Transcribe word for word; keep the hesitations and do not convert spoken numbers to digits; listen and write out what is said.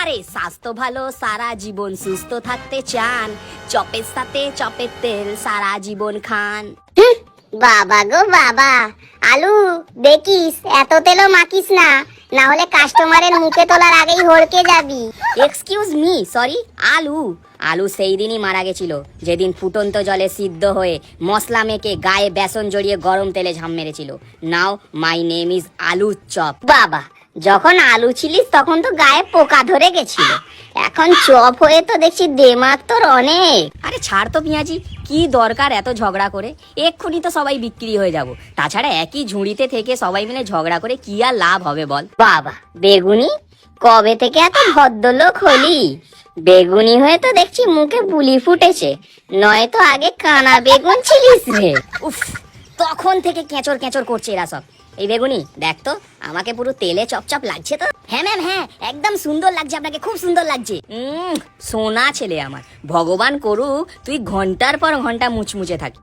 আরে স্বাস্থ্য ভালো সারা জীবন সুস্থ থাকতে চান, চপের সাথে চপের তেল সারা জীবন খান। বাবা গো বাবা, আলু দেখিস এত তেলও মাখিস না, না হলে কাস্টমারের মুখে তোলার আগেই হড়কে যাবি। এক্সকিউজ মি, সরি, আলু আলু সেই দিনই মারা গেছিল যেদিন ফুটন্ত জলে সিদ্ধ হয়ে মশলা মেখে গায়ে বেসন জড়িয়ে গরম তেলে ঝাম মেরেছিল। Now my name is aloo chop. বাবা, যখন আলু ছিলিস তখন তো গায়ে পোকা ধরে গেছিল, এখন চপ হয়ে তো দেখছি দেমাগ তোর অনেক। আরে ছাড় তো পিঁয়াজি, কি দরকার এত ঝগড়া করে, এক্ষুনি তো সবাই বিক্রি হয়ে যাব। তাছাড়া একই ঝুড়িতে থেকে সবাই মিলে ঝগড়া করে কি আর লাভ হবে বল। বাবা বেগুনি, কবে থেকে এত ভদ্রলোক হলি? বেগুনি হয়ে তো দেখছি মুখে বুলি ফুটেছে, নয়তো আগে কানা বেগুন ছিলিস রে। উফ, তখন থেকে কেঁচর কেঁচর করছে এরা সব। এই বেগুনি দেখ তো, আমাকে পুরো তেলে চপচপ লাগছে তো? হ্যাঁ ম্যাম, হ্যাঁ একদম সুন্দর লাগছে আপনাকে, খুব সুন্দর লাগছে। উম সোনা ছেলে আমার, ভগবান করুক তুই ঘন্টার পর ঘন্টা মুচমুচে থাকি।